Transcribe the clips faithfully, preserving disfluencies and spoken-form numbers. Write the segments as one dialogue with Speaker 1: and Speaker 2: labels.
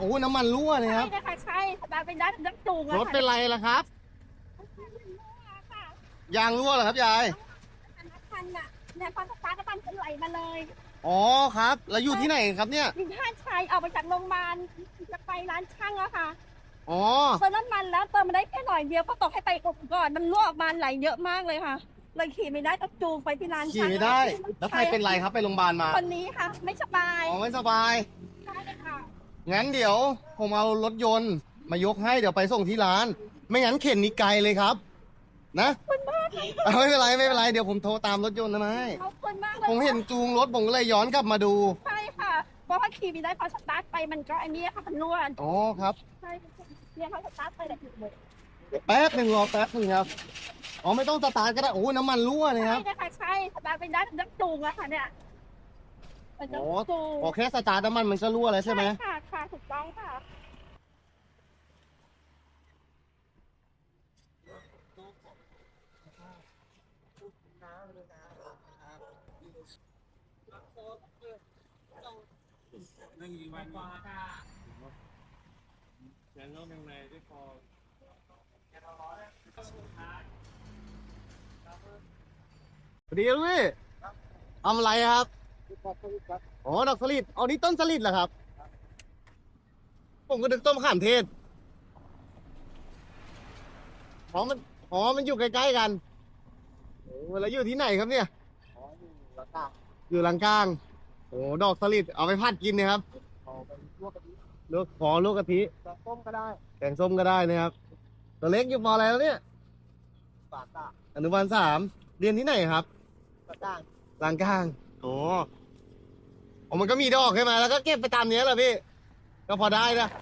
Speaker 1: โอ้น้ำมันรั่วเลยครับ
Speaker 2: ใช่ค่ะใช่ตาเป็นด้านน้ำจูง
Speaker 1: รถเป็นไรล่ะครับยางรั่วเหรอครับยาย
Speaker 2: คันน่ะเนี่ยพอสตาร์ทก็ปั๊มไหลมาเลย
Speaker 1: อ๋อครับแล้วอยู่ที่ไหนครับเนี่ย
Speaker 2: ยิงท่าชัยออกมาจากโรงพยาบาลจะไปร้านช่างแล้วค่ะ
Speaker 1: อ๋อ
Speaker 2: เติมน้ำมันแล้วเติมมาได้แค่หน่อยเดียวก็ตกให้ไปอบก่อนมันรั่วออกมาไหลเยอะมากเลยค่ะเลยขี่ไม่ได้ต้องจูงไปที่ร้าน
Speaker 1: ขี่
Speaker 2: ช่าง
Speaker 1: ไม่ได้แล้วใครเป็นไรครับไปโรงพยาบาลมา
Speaker 2: คนนี้ค่ะไม่สบาย
Speaker 1: อ๋อไม่สบาย
Speaker 2: ใช่ค่ะ
Speaker 1: งั้นเดี๋ยวผมเอารถยนต์มายกให้เดี๋ยวไปส่งที่ร้าน ไม่งั้นเข็นนี่ไกลเลยครับนะเอาไม่เป็นไรไม่เป็นไรเดี๋ยวผมโทรตามรถยนต์นะให้
Speaker 2: ขอบคุณมากเลย
Speaker 1: ผมเห็นจูงรถผมก็เลยย้อนกลับมาดู
Speaker 2: ใช่ค่ะเพราะว่าขี่ไม่ได้พอสตาร์ทไปมันก็ไอ้นี่ค่ะมันรั่ว
Speaker 1: อ๋อครับ
Speaker 2: ใช่เนี่ยพอสตาร์ทไปแต่ถึงเลย
Speaker 1: แป๊บหนึ่งรอแป๊บหนึ่งครับอ๋อไม่ต้องสตาร์ทก็ได้โอ้น้ำมันรั่วเลยครับ
Speaker 2: ใช่ค่ะใช่สตาร์ทเป็นด้านน้ำจูงอะค่ะเนี่ยเป็น
Speaker 1: โอ้
Speaker 2: น้ำจูง
Speaker 1: โอเคสตาร์ทน้ำมันมันก็รั่วแล้วใช่ไหม
Speaker 2: ค่ะค่ะถูกต้องค่ะ
Speaker 3: นั่งยิงวันนี้แกนโน้ตยังไงได้พอ
Speaker 1: สวัสดีครับพี่ทำอะไรครับอ๋อดอกสลิดอ๋อนี่ต้นสลิดเหรอครับผมก็นึกต้นมะขามเทศอ๋อมันอ๋อมันอยู่ใกล้ๆกันโอ้แล้วอยู่ที่ไหนครับเนี่ยอยู่ลังกลางโอ้ดอกสลิดเอาไปผัดกินนะครับลวกขอลวกกะทิแกงส้มก็ได้แกงส้มก็ได้นะครับตัวเล็กอยู่ปออะไรแล้วเนี่ยปาตาอนุบาลสามเรียนที่ไหนครับลังกลางลังกลางโอ้โอ้มันก็มีดอกใช่ไหมแล้วก็เก็บไปตามเนี้ยเหรอพี่ก็พอได้นะ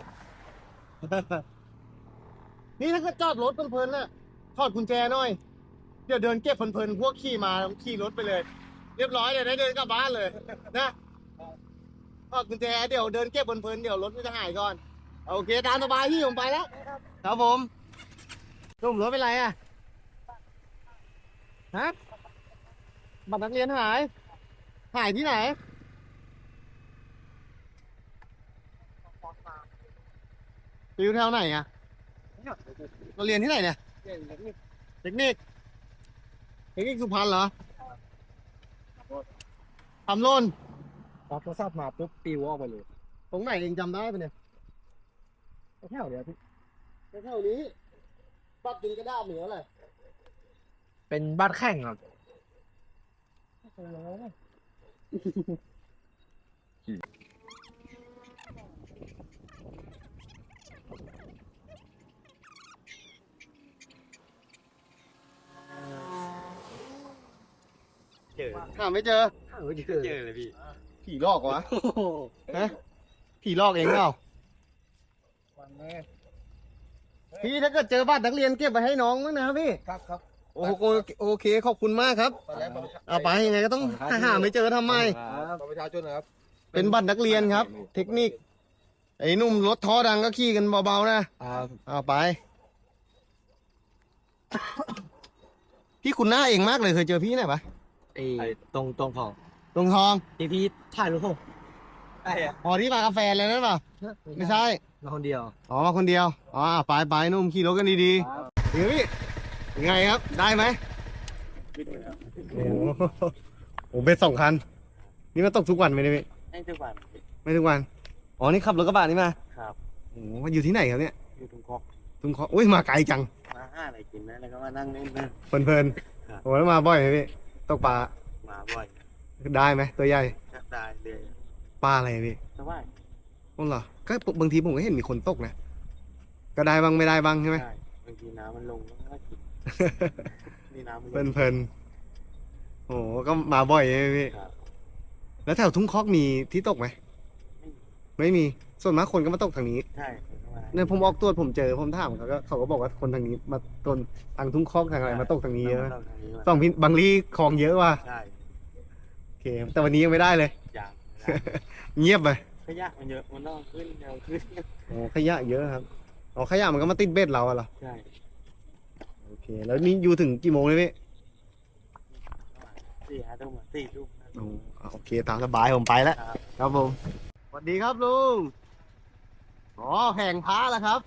Speaker 1: นี่ถ้าก็จอดรถเพลินๆน่ะถอดกุญแจหน่อยเดี๋ยวเดินเก็บเพลินๆพวกขี่มาขี่รถไปเลย เรียบร้อยเลยได้เดินกลับบ้านเลยนะถอดกุญแจเดี๋ยวเดินเก็บเพลินๆเดี๋ยวรถมันจะหายก่อนโอเคตามสบายพี่ผมไปแล้วครับผมนุ่มรถเป็นไรอ่ะฮะบัตรนักเรียนหายหายที่ไหนอยู่แถวไหนอ่ะเราเรียนที่ไหนเนี่ยเทคนิคเทคนิคสุพรรณเหรอทำโล่น
Speaker 3: รับโทรศัพท์มาปุ๊บปิวออกไปเลย
Speaker 1: ตรงไหนเองจำได้ปะเนี่ย
Speaker 3: แค่เดียวพี่
Speaker 1: แถวนี้ปัดดินกระดาษเหนือเลย
Speaker 3: เป็นบ้านแข่งครับเจอ
Speaker 1: หาไม่เจอ
Speaker 3: ไม่เจอเลยพี่
Speaker 1: ผีหลอกวะฮะผีหลอกเองเปล่าพี่ถ้าเกิดเจอบัตรนักเรียนเก็บไปให้น้องมั้งนะครับพี่
Speaker 3: ครับครับ
Speaker 1: โอ้โหโอเคขอบคุณมากครับเอาไปยังไงก็ต้องหาไม่เจอทำไม
Speaker 3: บัตรประชาชนนะครับ
Speaker 1: เป็นบัตรนักเรียนครับ เทคนิคไอ้หนุ่มรถท้อดังก็ขี่กันเบาๆนะเอาไป พี่คุณหน้าเองมากเลยเคยเจอพี่ไหนปะ
Speaker 3: ไอ้ตรงตรงของ
Speaker 1: ตรงทอง
Speaker 3: ที่พี่ถ่ายรูปผมไอ้อะ
Speaker 1: อ๋อที่มากาแฟเลยนั่นเปล่าไม่ใช่
Speaker 3: มาคนเดียว
Speaker 1: อ๋อมาคนเดียวอ๋อไปไปนุ่มขี่รถกันดีๆเดี๋ยวพี่ยังไงครับได้ไหมโอ้โหเบ็ดสองคันนี่มาตกทุกวันไหมเนี่ยพี่
Speaker 3: ไม่ทุกวัน
Speaker 1: ไม่ทุกวันอ๋อนี่ขับรถกระบะนี่มา
Speaker 3: ครับ
Speaker 1: โอ้โหอยู่ที่ไหนครับเนี่ย
Speaker 3: อยู่ตรงคอก
Speaker 1: ทุ่งคออุ้ยมาไกลจัง
Speaker 3: มาห้าอะไรกินนะแล้วก็มานั่งเล่นนะ
Speaker 1: เพลิน
Speaker 3: ครับ
Speaker 1: ๆโอ้แล้วมาบ่อยไหมพี่ตกปลา
Speaker 3: มาบ่อย
Speaker 1: ได้ไหมตัวใหญ่
Speaker 3: จับได้เลย
Speaker 1: ปลาอะไรพี่
Speaker 3: สบาย
Speaker 1: อ๋อเหรอก็บางทีผมก็เห็นมีคนตกนะก็ได้บ้างไม่ได้บ้างใช่ไหม
Speaker 3: ใช่บางทีน้ำมันลงแล้วก็กินนี่น้ำมันลง
Speaker 1: เพลินๆโอ้โหก็มาบ่อยใช่ไหมพี่
Speaker 3: ครับ
Speaker 1: แล้วแถวทุ่งคอกมีที่ตกไหมไม่มีส่วนมากคนก็มาตกทางนี้
Speaker 3: ใช่ผมก็มา
Speaker 1: เนี่ยผมออกตรวจผมเจอผมถามเขาก็เขาก็บอกว่าคนทางนี้มาต้นทางทุ่งคอกทางอะไรมาตกทางนี้เยอะ
Speaker 3: ตกทางนี้มา
Speaker 1: สองพินบางรีคลองเยอะว่ะ
Speaker 3: ใช่
Speaker 1: โอเคแต่วันนี้ยังไม่ได้เลย
Speaker 3: อย่าง
Speaker 1: เงียบไป
Speaker 3: ขยะมันเยอะมันต้องขึ้นเร็วขึ้น
Speaker 1: โอ้ขยะเยอะครับอ๋อขยะมันก็มาติดเบ็ดเราอะเหรอ
Speaker 3: ใช่
Speaker 1: โอเคแล้วนี่อยู่ถึงกี่โมงเลยพี่
Speaker 3: สี่ห้าทุ่มอะสี่ทุ่มนะ
Speaker 1: โอ้โอเคตามสบายผมไปแล้ว
Speaker 3: ครับ
Speaker 1: ครับผมสวัสดีครับลุงโอ๋อแผงพระแล้วครับ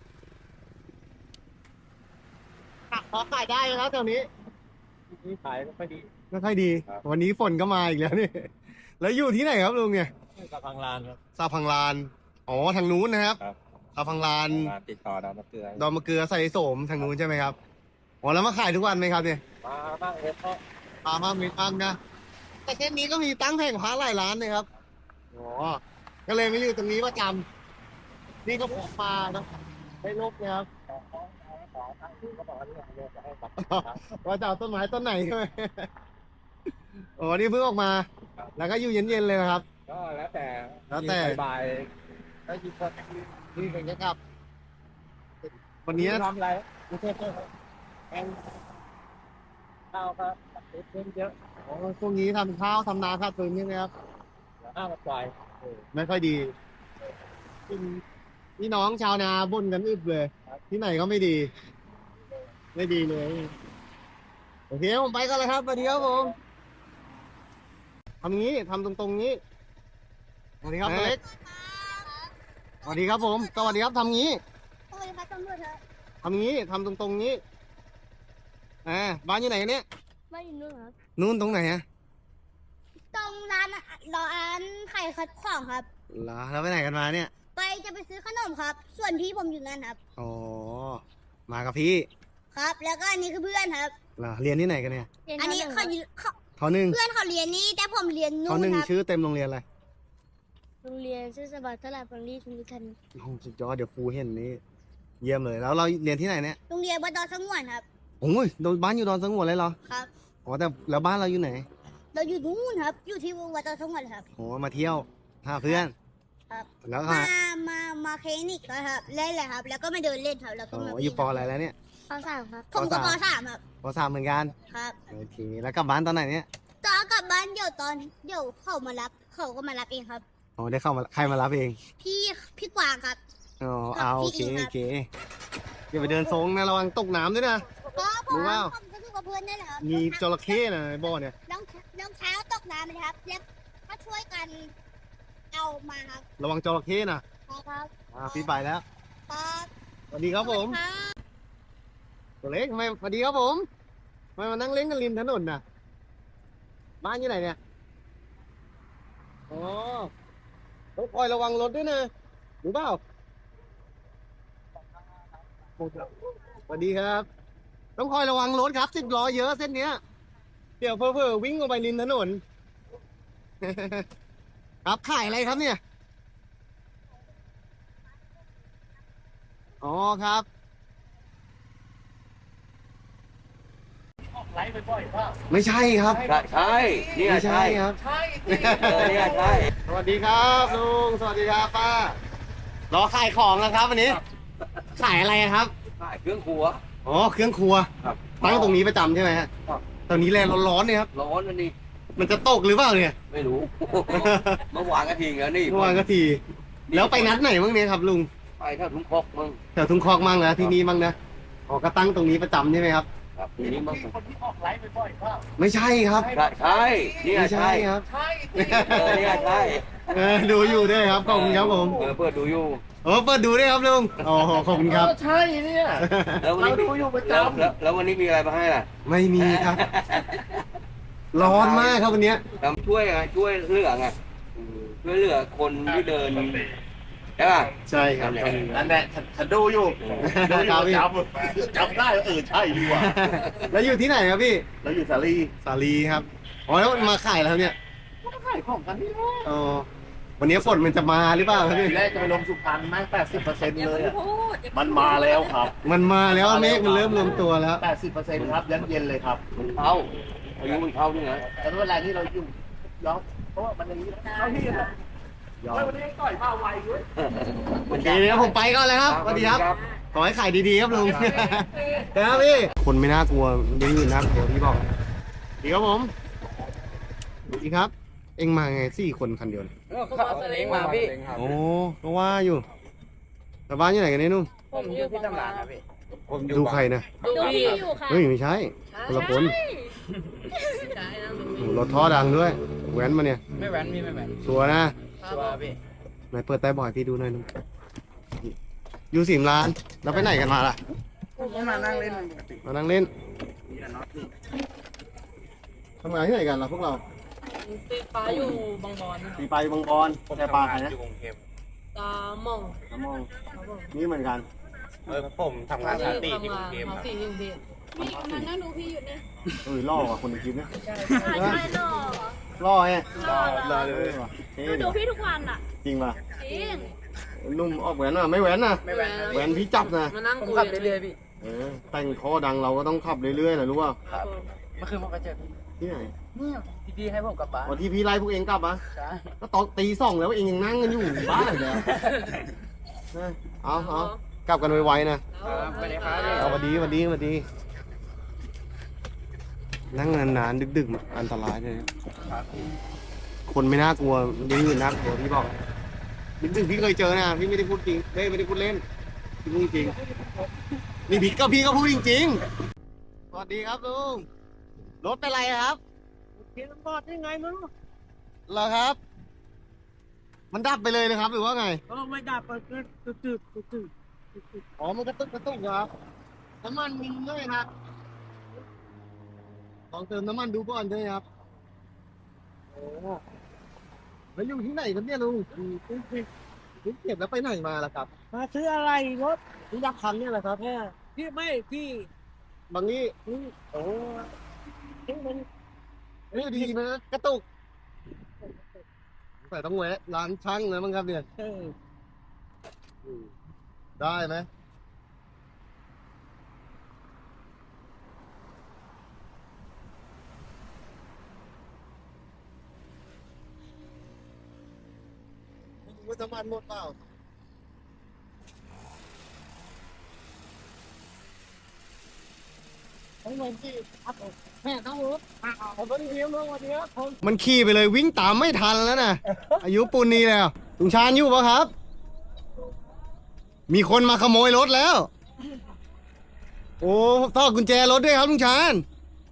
Speaker 1: พอขายได้แล้วแถวนี้
Speaker 3: นี่ขายก็ค่อยดี
Speaker 1: ไม่ค่อยดี
Speaker 3: ครับ
Speaker 1: วันนี้ฝนก็มาอีกแล้วนี่ แล้วอยู่ที่ไหนครับลุงเนี่ย
Speaker 3: กับพังลานครับ
Speaker 1: ซาพังลาน อ๋อทางนู้นนะครับ
Speaker 3: ครับ
Speaker 1: ซาพังลาน
Speaker 3: ร้านติดต่อดาวมะเกลือ
Speaker 1: ดอนมะเกลือใส่โสมทางนู้นใช่ไหมครับ อ๋อแล้วมาขายทุกวันไหมครับเนี่ย
Speaker 3: มาบ้างเอฟก็
Speaker 1: ปลาบ้างมีบ้างนะ แต่เส้นนี้ก็มีตั้งแผงพระหลายร้านเลยครับ อ๋อ ก็เลยไม่อยู่ตรงนี้ประจำนี่ก็พกปลานะให้ลูกนะครับ
Speaker 3: ก็บอกว่าเนี่ยเดี๋ยวจะให้บัตร
Speaker 1: ว่าจะเอาต้นไม้ต้นไหนใช่ไหม อ๋อ นี่เพิ่งออกมา แล้วก็อยู่เย็นๆเลยนะครับ
Speaker 3: ก็แล้วแต่
Speaker 1: แล้วแต่
Speaker 3: บ่ายๆก็ยิงก็
Speaker 1: นี่เป็นจะกลับ วันนี้
Speaker 3: ทำอะไรกูเทพเแองข้าวครับติดเพิ่มเยอะ
Speaker 1: อ๋อช่วงนี้ทำข้าวทำนาข้าวตุนใช่ไหมครับ
Speaker 3: ข้าวมาปล่อย
Speaker 1: ไม่ค่อยดีพี่น้องชาวนาบ่นกันอึบเลย ที่ไหนก็ไม่ดี ไม่ดีเลย โอเคผมไปกันเลยครับสวัสดีครับผมทำงี้ทำตรงๆนี้สวัสดีครับตัวเล็กสวัสดีครับผมสวัสดีครับทำงี้
Speaker 2: โอ้ยพัดตำรวจเถอะ
Speaker 1: ทำงี้ทำตรงๆนี้อ่าบ้านอยู่ไหนกันเนี่ย
Speaker 2: ไม่อยู่นู่นครับ
Speaker 1: นู่นตรงไหนอะ
Speaker 2: ตรงร้านร้านขายของครับ
Speaker 1: เหรอแล้วไปไหนกันมาเนี่ย
Speaker 2: ไปจะไปซื้อขนมครับ ส่วนพี่ผมอยู่นั่นครับ
Speaker 1: อ๋อมากับพี่
Speaker 2: ครับ แล้วก็อันนี้คือเพื่อนครับ
Speaker 1: เหรอเรียนที่ไหนกันเนี่ย
Speaker 2: อันนี้เขาเขา
Speaker 1: ทอหนึ่ง
Speaker 2: เพื่อนเขาเรียนนี่แต่ผมเรียน
Speaker 1: ท
Speaker 2: นู่
Speaker 1: อนหนึ่ง
Speaker 2: ครับ
Speaker 1: ชื่อเต็มโรงเรียนอะไร
Speaker 2: โรงเรียนชื่อสบัดตลาดบางรีชุมพิคัน
Speaker 1: โอ้สุดยอดเดี๋ยวครูเห็นนี่เยี่ยมเลยแล้วเราเรียนที่ไหนเนี่ย
Speaker 2: โรงเรียนวัดดอนสงวนครับ
Speaker 1: โอ้ยโดนบ้านอยู่ดอนสงวนเลยเหรอ
Speaker 2: ครับ
Speaker 1: อ๋อแต่แล้วบ้านเราอยู่ไหน
Speaker 2: เราอยู่นู่นครับ อยู่ที่วัดดอนสงวนครับ
Speaker 1: โอ้มาเที่ยวหาเพื่อน
Speaker 2: ครับ
Speaker 1: แล้วก็
Speaker 2: มา มา มาคลินิกครับ เล่นเลยครับ แล้วก็มาเดินเล่นครับ แล้วก็
Speaker 1: อ๋อ
Speaker 2: มา
Speaker 1: อยู่ปออะไรแล้วเนี่ย
Speaker 2: ปสามครับ ผมก็ปสามครับ
Speaker 1: ปสามเหมือนกัน
Speaker 2: ครับ
Speaker 1: โอเคแล้วกลับบ้านตอนไหนเนี่ย
Speaker 2: ตอนกลับบ้านเดี๋ยวตอนเดี๋ยวเขามารับ เขาก็มารับเองครับ
Speaker 1: อ๋อได้เข้ามาใครมารับเอง
Speaker 2: พี่ พี่กวางครับ
Speaker 1: อ๋อเอาโอเค
Speaker 2: พี่อิงครับ
Speaker 1: โอเคอย่าไปเดินทรงนะระวังตกน้ำด้วยนะ
Speaker 2: ก็ผม
Speaker 1: รู้เปล่า
Speaker 2: ผมก็คือกับเพื่อนนั่นแหละครับ
Speaker 1: มีจระเข้นะในบ่อเนี่ย
Speaker 2: รองรองเท้าตกน้ำเลยครับ แล้วก็ช่วยกันเอามาครับ
Speaker 1: ระวังจระเข้นะครับ อ่าพี่ไปแล้ว
Speaker 2: ครับ
Speaker 1: สวัสดีครับผม
Speaker 2: ครับ
Speaker 1: ตัวเล็กทำไมสวัสดีครับผมทำไมมานั่งเล่นกันริมถนนน่ะ บ้านอยู่ไหนเนี่ย อ๋อต้องคอยระวังรถด้วยนะรู้เปล่าสวัสดีครับ ต้องคอยระวังรถครับสิบล้อเยอะเส้นเนี้ย เดี๋ยวเผลอๆวิ่งออกไปริมถนน ครับขายอะไรครับเนี่ย อ๋อครับ
Speaker 3: ไลฟ์ไปบ่อยป่ะ
Speaker 1: ไม่ใช่ครับ
Speaker 4: ใช่นี่
Speaker 1: ไม่
Speaker 4: ใช่
Speaker 1: ใช่ครับ
Speaker 3: ใช่
Speaker 4: เออนี่ใช่
Speaker 1: สวัสดีครับลุง สวัสดีครับป้ารอขายของนะครับวันนี้ ขายอะไรครับ
Speaker 4: ขายเครื่องครัว
Speaker 1: อ๋อ เครื่องครัว
Speaker 4: ครับ
Speaker 1: ตั้งตรงนี้ประจำใช่ไหมฮะ
Speaker 4: ครับ
Speaker 1: ตอนนี้แรงร้อนๆเนี่ยครับ
Speaker 4: ร้อนอันนี้
Speaker 1: มันจะตกหรือเปล่าเนี่ย
Speaker 4: ไม่รู้ เมื่อวานก็ทิ้งแล้วนี่
Speaker 1: เมื่อวานก็ที แล้วไปนัดไหนบ้างเนี่ยครับลุง
Speaker 4: ไปเท่าทุ่งคกมึง
Speaker 1: แถวทุ่งคอกมั่งนะที่นี่มั่งนะ อ๋อ ก็ตั้งตรงนี้ประจำใช่ไหมครับ
Speaker 4: ครับทีนี้มึง
Speaker 3: คนที่ออกไลฟ์ไปบ่อยป่ะ
Speaker 1: ไม่ใช่ครับ
Speaker 4: ใช่ใช่นี่
Speaker 1: ไม่ใช่
Speaker 4: ใช่
Speaker 1: ครับ
Speaker 3: ใช่
Speaker 4: เออนี่ใช่
Speaker 1: เออดูอยู่ด้วยครับ ขอบคุณครับผม
Speaker 4: เออเปิดดูอยู่
Speaker 1: โอ้เปิดดูด้วยครับลุงโอ้โหขอบคุณครับ
Speaker 3: ใช่เนี่ย
Speaker 4: แล้ววัน
Speaker 3: เรา
Speaker 4: นี้
Speaker 3: ดูอยู่ประจ
Speaker 4: แล้วแล้วแล้ววันนี้มีอะไรมาให้ล่ะ
Speaker 1: ไม่มีครับ ร้อนมากครับวันเนี้ย
Speaker 4: ทำช่วยไงช่วยเหลือไงอืมช่วยเหลือคนที่เดินใช่ป่ะ
Speaker 1: ใช่ครับ
Speaker 3: ำนั่นแหละฉันดูอยู่ดูอยู่ประจำจำได้ว่าเออใช่ดีว่ะ
Speaker 1: แล้วอยู่ที่ไหนครับพี่
Speaker 3: แล้วอยู่สาลี
Speaker 1: สาลีครับ อ๋อแล้วมาขายแล้วเนี่ย
Speaker 3: ก็ขายของกันนี่แหละ
Speaker 1: อ๋อ วันนี้ฝนมันจะมาหรือเปล่าครับพี่
Speaker 3: ทีแรกจะไปลงสุพรรณไหมแปดสิบเปอร์เซ็นต์เลยอะมันมาแล้วครับ
Speaker 1: มันมาแล้วเมฆมันเริ่มรวมตัวแล้ว
Speaker 3: แปดสิบเปอร์เซ็นต์ครับยันเย็นเลยครับ
Speaker 4: มันเข้าอายุมันเข้านี่นะ
Speaker 3: แต่เวลาที่เราอยู่ยอมเพราะว่ามันอย่างนี้เข้าที่นะ
Speaker 1: ยอม
Speaker 3: วันนี้ต่อยมาไวด้วย
Speaker 1: โอเคเดี๋ยวผมไปก่อนเลยครับสวัสดีครับ ขอให้ขายดีๆครับลุง ครับพี่ คนไม่น่ากลัวยังอื่นน่ากลัวพี่บอกดีครับผมดีครับ เอ็งมาไงสี่คนคันเดียวเนี่ย
Speaker 4: เข้าเองมาพี่
Speaker 1: โอ้ก็ว่าอยู่แต่บ้านอยู่ไหนกันเนี่ยนุ่ม
Speaker 4: ผมอยู่ที่ตำรานครับพี่
Speaker 1: ดูใครนะ
Speaker 2: ดูพี่อยู่ค่ะ
Speaker 1: เฮ้ยไม่ใช่คนละคนโอ้โหรถท่อดังด้วยแว้นมาเนี่ย
Speaker 4: ไม่แหวนพี่ไม่แหวน
Speaker 1: ชัวร์นะ
Speaker 4: ชัวร์พี่
Speaker 1: ไหนเปิดใต้บ่อยพี่ดูหน่อยนุ่มอยู่สิมร้านแล้วไปไหนกันมาล่ะ
Speaker 3: มานั่งเล่นปกติ
Speaker 1: มานั่งเล่น
Speaker 3: มีแต่น็อตนี่
Speaker 1: ทำงานที่ไหนกันล่ะพวกเรา
Speaker 5: ตีปลาอยู่บางบอน
Speaker 1: ตีไปบางบอนแต่ปลาใครนะ
Speaker 5: ตาหมอง
Speaker 1: น้ำมองนี่เหมือนกัน
Speaker 6: เออผมทำงานสถานที่ที่กรุงเทพ
Speaker 5: มา
Speaker 6: ครับ
Speaker 5: สี่ที่กรุงเทพ
Speaker 2: นี่มานั่งดูพี่อยู่เนี่ย
Speaker 1: เออล่อว่ะคนในคลิปเนี่ย
Speaker 2: ใช่ใช่หล่อ
Speaker 1: ล่อไง
Speaker 2: หล่อ
Speaker 1: ล่อเลยว่ะเท่
Speaker 2: ดูดู
Speaker 1: ดิ
Speaker 2: พี่ทุกวันอ่ะ
Speaker 1: จริงป่ะ
Speaker 2: จริง
Speaker 1: นุ่มออกแหวนอ่ะไม่แหวนนะ
Speaker 5: ไม่แหวน
Speaker 1: แหวนพี่จับนะ
Speaker 5: มานั่ง
Speaker 3: ผม
Speaker 5: คุย
Speaker 3: ขับเรื่อยๆพี่
Speaker 1: เออแต่งคอดังเราก็ต้องขับเรื่อยๆนะรู้ป่ะ
Speaker 5: ครับผม
Speaker 3: เมื่อคืนผมไปเจอพี่
Speaker 1: ที่ไหน
Speaker 3: เนี่ยที่พี่ให้ผมกลับบ้าน
Speaker 1: วันที่พี่ไล่พวกเองกลับอ่ะ
Speaker 3: ใช่
Speaker 1: ก็ตอนตีสองแล้วเองยังนั่งกันอยู่บ้าเลยนะเอาเอากลับกันไวๆนะ
Speaker 3: ครับสวัสดีครับ
Speaker 1: เอาสวัสดีสวัสดีสวัสดี นั่งนานๆดึกๆอันตรายเลยนะคนไม่น่ากลัวยิ่งอื่นน่ากลัวพี่บอกดึกๆพี่เคยเจอนะพี่ไม่ได้พูดจริงเฮ้ยไม่ได้พูดเล่นพี่พูดจริงนี่พี่ก็พี่ก็พูดจริงๆสวัสดีครับลุงรถเป็นไรครับ
Speaker 3: พี่ต้องบอดยังไงมึง
Speaker 1: เหรอครับ มันดับไปเลยนะครับหรือว่าไง
Speaker 3: ก็ไม่ดับก็ตึ๊ดตึ๊ดตึ๊ดตึ๊ด
Speaker 1: อ๋อมันกระตุกกระตุกครับน้ำมันมีด้วยครับลองเติมน้ำมันดูก่อนด้วยครับโอ้แล้วอยู่ที่ไหนครับเนี่ยลุงลุงเก็บแล้วไปไหนมาล่ะครับ
Speaker 3: มาซื้ออะไรรถ
Speaker 1: ลุงยักษ์คันเนี่ยแหละครับ
Speaker 3: เนี่ยพี่ไม่พี่
Speaker 1: บางนี้
Speaker 3: โอ้ที่มัน
Speaker 1: เฮ้ยดีนะกระตุกแต่ต้องแวะร้านช่างเลยมั้งครับเนี่ย
Speaker 3: เออ
Speaker 1: ได้ไหมไม่รู้ว่าน้ำมันหมดเปล่าไอ้เงินที่ครับผมแม่ต้องรู้ผมก็เลี้ยงเมื่อวันนี้ผมมันขี่ไปเลยวิ่งตามไม่ทันแล้วนะ อายุปูนนี้แล้วลุงชาญอยู่ปะครับ มีคนมาขโมยรถแล้ว โอ้ต่อกุญแจรถด้วยครับลุงชาญ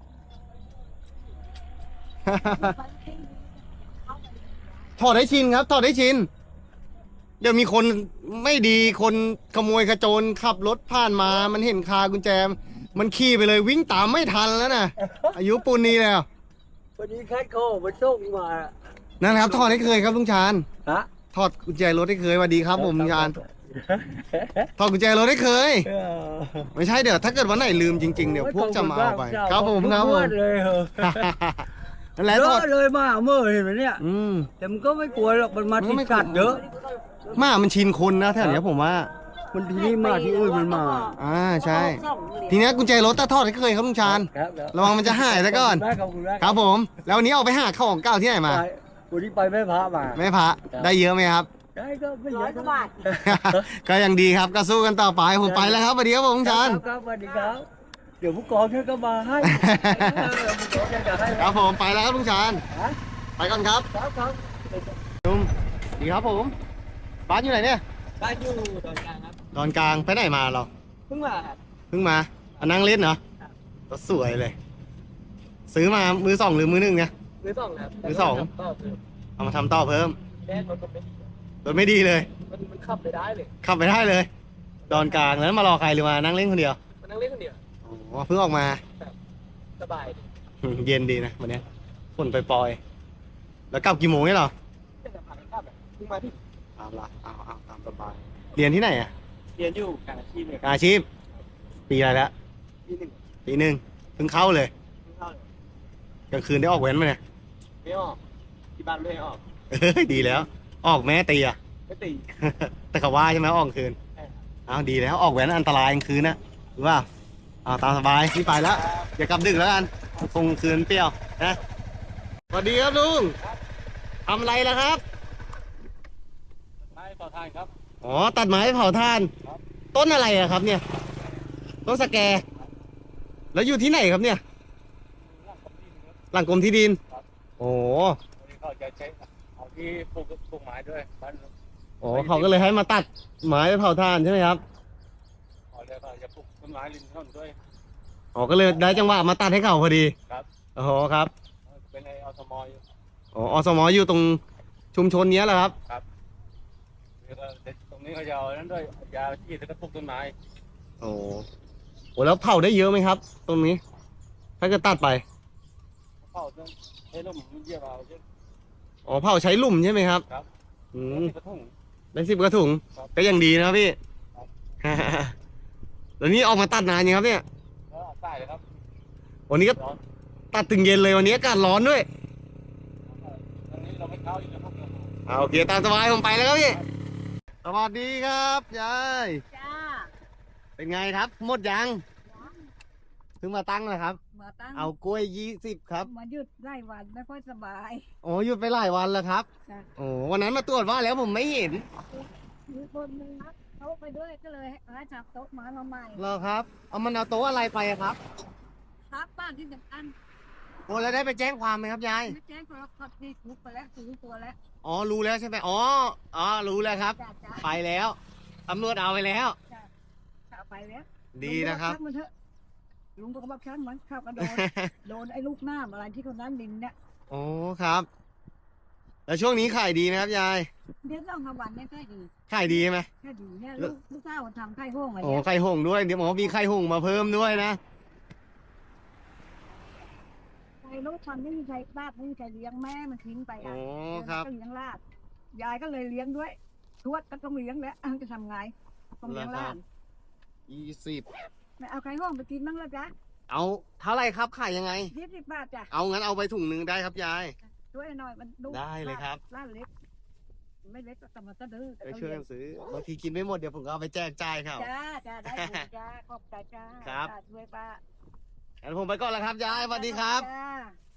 Speaker 1: ถอดให้ชินครับ ถอดให้ชิน เดี๋ยวมีคนไม่ดีคนขโมยขโจรขับรถผ่านมา มันเห็นคากุญแจ มันขี่ไปเลยวิ่งตามไม่ทันแล้วนะอายุปูนนี้แล้ว
Speaker 3: วันนี้แค่โคมาส่งมา
Speaker 1: นั่นครับถอดให้เคยครับลุงชาญ
Speaker 3: ฮะ
Speaker 1: ถอดกุญแจรถให้เคยสวัสดีครับผมลุงชาญถอดกุญแจรถให้เคย ไม่ใช่เดี๋ยวถ้าเกิดวันไหนลืมจริงๆเดี๋ยวพวกจะมาเอาไปครับผมครับผม
Speaker 3: เลยเหรอ
Speaker 1: นั่นแหละ
Speaker 3: เย
Speaker 1: ถอ
Speaker 3: อะ
Speaker 1: ด
Speaker 3: เลยมาเมื่อเห็นไหมเนี่ย
Speaker 1: อืม
Speaker 3: แต่มันก็ไม่กลัวหรอกมันมา
Speaker 1: มันก็
Speaker 3: ที่
Speaker 1: ไม่กลัว
Speaker 3: สัตว์เยอะ
Speaker 1: หมามันชินคนนะแถวเนี้ยผมว่า
Speaker 3: มันที่นี่มาที่อื่นมันมา
Speaker 1: อ่าใช่ ทีเนี้ยกุญแจรถตาทอดให้เคยครับลุงชาญ
Speaker 3: ครับ
Speaker 1: ระวังมันจะหายซะก่อน
Speaker 3: ขอบคุณมาก
Speaker 1: ครับผม แล้ววันนี้เอาไปหาของเก่าที่ไหนมา
Speaker 3: ไปวันนี้ไปแม่พระมา
Speaker 1: แม่พระได้เยอะไหมครับ
Speaker 3: ได้ก็ไม่เยอะ
Speaker 1: ก็ยังดีครับก็สู้กันต่อไปผมไปแล้วครับสวัสดีครับผมลุงชาญ
Speaker 3: ครับสวัสดีครับ เดี๋ยวผู้กองช่วยก็มาให้เออผู้กองจะให้
Speaker 1: ครับผมไปแล้วครับลุงชาญ
Speaker 3: ฮะ
Speaker 1: ไปก่อนครับ
Speaker 3: ครับครับ
Speaker 1: ลุงดีครับผมบ้านอยู่ไหนเนี่ย
Speaker 3: บ้านอยู่ตอนกลางครับ
Speaker 1: ตอนกลางไปไหนมาเรา
Speaker 3: เพิ่งมาครับ
Speaker 1: เพิ่งมาอันนั่งเล่นเหรอรถสวยเลย ซื้อมามือสองหรือมือหนึ่งเนี่ย
Speaker 3: มือสองครับ
Speaker 1: มือสอง
Speaker 3: ต่อคือ
Speaker 1: เอามาทำต่อเพิ่ม
Speaker 3: แรกรถมันไม่
Speaker 1: รถไม่ดีเลย
Speaker 3: มันมันขับไปได้เลย
Speaker 1: ขับไปได้เลย ดอนกลางแล้วมารอใครหรือมานั่งเล่นคนเดียว
Speaker 3: มันนั่งเล่นคนเดียว
Speaker 1: อ๋อเพิ่งออกมา
Speaker 3: สบายดี
Speaker 1: อืมเย็นดีนะวันเนี้ยฝนปล่อยๆแล้วกลับกี่โมงเนี่ยเหรอ
Speaker 3: แต่สะพานข้ามแบบเพิ่งมาที่
Speaker 1: เอาละเอาเอาตามสบายเรียนที่ไหนอ่ะ
Speaker 3: เรียนอยู่การอาชีพเลยครับ
Speaker 1: อาชีพ ปีอะไรแล้ว
Speaker 3: ปีหนึ่ง
Speaker 1: ปีหนึ่งเพิ่งเข้าเลย
Speaker 3: เพิ่งเข้าเลย
Speaker 1: กลางคืนได้ออกเว้นไหมเนี่ย
Speaker 3: ไม่ออกที่บ้านไม่ให้ออก
Speaker 1: เอ้ยดีแล้ว ออกแม่ตีอ่ะ
Speaker 3: ไม่ตี
Speaker 1: แต่เขาว่าใช่ไหมออกกลางคืน
Speaker 3: ใช่ครับ
Speaker 1: เอาดีแล้วออกแหวนอันตรายกลางคืนนะหรือว่าเอาตามสบายพี่ไปแล้วอย่ากลับดึกแล้วกันคงคืนเปรี้ยวนะสวัสดีครับลุงทำอะไรล่ะครับ
Speaker 3: ไม้ต่อทานครับ
Speaker 1: อ๋อตัดไม้เผาถ่าน ต้นอะไรอะครับเนี่ย ต้นสะแก แล้วอยู่ที่ไหนครับเนี่ย หลังกรมที่ดิน โอ้
Speaker 6: วันนี้เขาจะใช้เอาที่ปลูกปลูกไม้ด้วยบ้าน
Speaker 1: โหเขาก็เลยให้มาตัดไม้ไปเผาถ่านใช่ไหมครับ
Speaker 6: เขาเลยเขาจะปลูกต้นไม้ริมถนนด้วย
Speaker 1: อ๋อก็เลยได้จังหวะมาตัดให้เขาพอดี
Speaker 6: ครับ
Speaker 1: โอ้โหครับ
Speaker 6: เป็นในอสมอยู่
Speaker 1: อ๋ออสมอยู่ตรงชุมชนเนี้ยแหละครับ
Speaker 6: แล้วก็ตรงนี้นี่เขาจะเอานั้นด้วยยาฉีดแล้วก็ปลูกต้นไม้
Speaker 1: โอ้โหแล้วเผาได้เยอะไหมครับ ตรงนี้ ถ้าเกิดตัดไป
Speaker 6: เผาต้นให้ร่มเยี่ยมเอาเยอะ
Speaker 1: อ๋อเผาใช้หลุมใช่ไหมครับ
Speaker 6: ครับ
Speaker 1: อืม
Speaker 6: กระทุ่ง
Speaker 1: เป็นสิบกระถุง
Speaker 6: ครับ
Speaker 1: ก็ยังดีนะครับพี่
Speaker 6: ครับ
Speaker 1: แล้วนี่ออกมาตัดนานยังครับเนี่ย
Speaker 6: แล้วใต้เลยครับ
Speaker 1: วันนี้ก็
Speaker 6: ร้อน
Speaker 1: ตัดถึงเย็นเลยวันนี้อากาศร้อนด้วย
Speaker 6: ตอนนี้เราไม่เข้าอีกแล้วครับ
Speaker 1: เอาโอเคตามสบายผมไปแล้วครับพี่ สวัสดีครับยาย
Speaker 2: จ้า
Speaker 1: เป็นไงครับ หมดยังเพิ่งมาตั้งเลยครับ
Speaker 2: มาตั้ง
Speaker 1: เอากล้วยยี่สิบครับ
Speaker 2: มาหยุดไล่วันไม่ค่อยสบาย
Speaker 1: โอ้หยุดไปหลายวันแล้วครับ
Speaker 2: ค่ะ
Speaker 1: โอ้วันนั้นมาตรวจว่าแล้วผมไม่เห็น
Speaker 2: มีคนนึงนะเขาไปด้วยก็เลยให้จับโต๊ะมามาใหม่
Speaker 1: เหรอครับ เอามันเอาโต๊ะอะไรไปอะครับ
Speaker 2: ครับบ้านที่สำคัญ
Speaker 1: โอ้แล้วได้ไปแจ้งความไหมครับยาย
Speaker 2: ไม่แจ้งความกดนี่คุกไปแล้วซื้อตัวแล้ว
Speaker 1: อ๋อรู้แล้วใช่ไหมอ๋ออ๋อรู้แล้วครับ
Speaker 2: จ้าจ้า
Speaker 1: ไปแล้วตำรวจเอาไปแล้ว
Speaker 2: จ้าไปแล้ว
Speaker 1: ดีนะครับ
Speaker 2: ลุงก็อกช่างมันเถอะลุงก็บอกช่างมันขับมาโด น โดนไอ้ลูกน้ำอะไรที่คนนั้นดินเนี่ย
Speaker 1: โอ้ครับ แล้วช่วงนี้ขายดีไหมครับยาย
Speaker 2: เดี๋ยวต้องทำวันเนี่ยแค่ดี
Speaker 1: ขายดีไหม
Speaker 2: แค่ดีเนี่ยลูกลูกสาวมันทำไข่ห้องอะไร
Speaker 1: โอ้
Speaker 2: เนี่ย
Speaker 1: ไข่หงส์ด้วยเดี๋ยวหมอมีไข่หงส์มาเพิ่มด้วยนะ
Speaker 2: ไข่ลูกมันไม่มีใครบ้านไม่มีใครเลี้ยงแม่มันทิ้งไป
Speaker 1: โอ้
Speaker 2: อ่ะ
Speaker 1: ครับ
Speaker 2: ก็เลี้ยงลาดยายก็เลยเลี้ยงด้วยทวดก็ต้องเลี้ยงแล้วจะทำไงต้องเลี้ยงหลาน
Speaker 1: ยี่สิบ
Speaker 2: ไม่เอาไข่ห้องไปกินบ้างแล้วจ๊ะ
Speaker 1: เอาเท่าไหรครับขายยังไง
Speaker 2: ยี่สิบบาทจ้ะ
Speaker 1: เอางั้นเอาไปถุงหนึ่งได้ครับยาย
Speaker 2: ช่วยหน่อยมันลูก
Speaker 1: ได้เลยครับ
Speaker 2: ลาดเล็กไม่เล็กแต่มันก็ดื้อแต่
Speaker 1: ไป
Speaker 2: ก็
Speaker 1: ช่วย
Speaker 2: เลี้ย
Speaker 1: กั
Speaker 2: ง
Speaker 1: นซื้อบางทีกินไม่หมดเดี๋ยวผมก็เอาไปแจกจ่ายเขา
Speaker 2: จ้าจ้าได้บุญจ้าขอบใจจ้า
Speaker 1: ครับ
Speaker 2: จ้าช่วยป้า
Speaker 1: งั้นผมไปก่อนแล้วครับยายสวัสดีครับ
Speaker 2: จ้า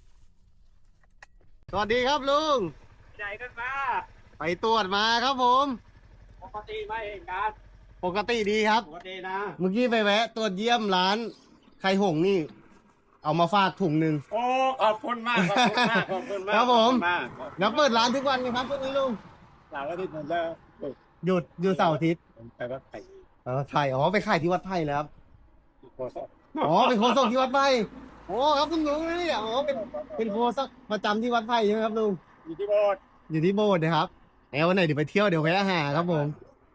Speaker 1: สวัสดีครับลุง
Speaker 6: ใหญ่กันมา
Speaker 1: ไปตรวจมาครับผม
Speaker 6: ปกติไม่เองการ
Speaker 1: ปกติดีครับ
Speaker 6: ปกตินะ
Speaker 1: เมื่อกี้ไปแวะตรวจเยี่ยมร้านไข่หงส์นี่ เอามาฝากถุงหนึ่ง
Speaker 6: โอ้ขอบคุณมากขอบคุณมากขอบคุณมาก
Speaker 1: ครับผม
Speaker 6: ขอณาก
Speaker 1: แล้วเปิดร้านทุกวันไหมครับพวกนี้ลุง
Speaker 6: หลังอาทิตย์มันจะ
Speaker 1: หยุดหยุดเสาร์อาทิตย์
Speaker 6: ไปวัดไผ่
Speaker 1: อ๋อไข่อ๋อไปขายที่วัดไผ่แล้วครับ
Speaker 6: โคศก
Speaker 1: อ๋อเป็นโคศกที่วัดไผ่โอ้ครับคุณลุงนี่อ๋อเป็นเป็นโคศกประจำที่วัดไผ่ใช่ไหมครับลุง
Speaker 6: อยู่ที่โบสถ์
Speaker 1: อยู่ที่โบสถ์นะครับแอลวันไหนเดี๋ยวไปเที่ยวเดี๋ยวแวะหาครับผม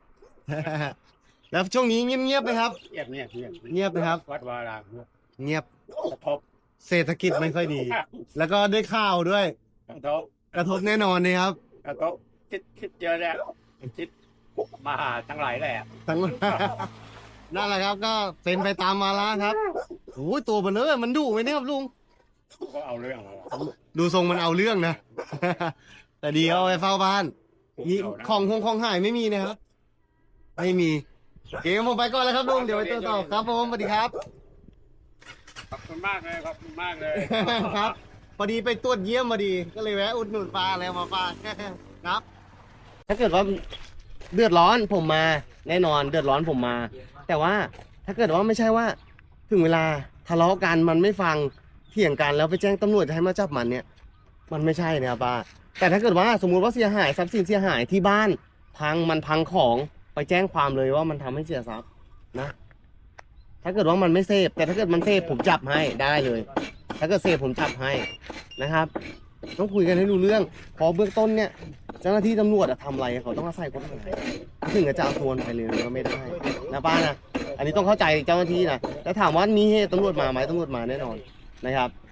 Speaker 1: แล้วช่วงนี้เงียบๆไหมครับ
Speaker 6: เงียบเงียบเงียบ
Speaker 1: เงียบนะครับ
Speaker 6: วัดวารามเงียบ
Speaker 1: เงียบ
Speaker 6: กระทบ
Speaker 1: เศรษฐกิจไม่ค่อยดี แล้วก็ด้วยข้าวด้วย
Speaker 6: กระทบ
Speaker 1: กระทบแน่นอนนะครับ
Speaker 6: กระทบคิดคิดเยอะแล้วคิดมาหาทั้งหลายแหละ
Speaker 1: ทั้ง นั่นแหละครับ ก็เป็นไปตามมาแล้วครับโอ้ยตัวมันเนอะมันดุไหมเนี่ยครับลุง
Speaker 6: ก็เอาเรื่องเอา
Speaker 1: ดูทรงมันเอาเรื่องนะ แต่ดีเอาไปเฝ้าบ้านมี
Speaker 6: เอานะ
Speaker 1: ของคงของหายไม่มีนะครับ ไม่มีโอเคผมไปก่อนแล้วครับลุงเดี๋ยวไปตรวจสอบครับผมสวัสดีครับ
Speaker 6: ขอบคุณมากเลยขอบคุณมากเลย
Speaker 1: ครับพอดีไปตรวจเยี่ยมพอดีก็เลยแวะอุดหนุนปลาแล้วมาฝาก ครับ ถ้าเกิดว่าเดือดร้อนผมมาแน่นอนเดือดร้อนผมมา แต่ว่าถ้าเกิดว่าไม่ใช่ว่า ถึงเวลาทะเลาะกันมันไม่ฟังเถียงกันแล้วไปแจ้งตำรวจจะให้มาจับมันเนี่ย มันไม่ใช่นะครับป้าแต่ถ้าเกิดว่าสมมุติว่าเสียหายทรัพย์สินเสียหายที่บ้านพังมันพังของไปแจ้งความเลยว่ามันทำให้เสียทรัพย์นะ ถ้าเกิดว่ามันไม่เสพแต่ถ้าเกิดมันเสพผมจับให้ได้เลย ถ้าเกิดเสพผมจับให้นะครับ ต้องคุยกันให้รู้เรื่องพอเบื้องต้นเนี่ยเจ้าหน้าที่ตำรวจอะทำอะไรเขาต้องอาศัยกฎหมายถึงจะเอาตัวมันไปเลยก็ไม่ได้นะป้านะอันนี้ต้องเข้าใจเจ้าหน้าที่นะแล้วถามว่ามีเหตุตำรวจมาไหมตำรวจมาแน่นอนนะครับ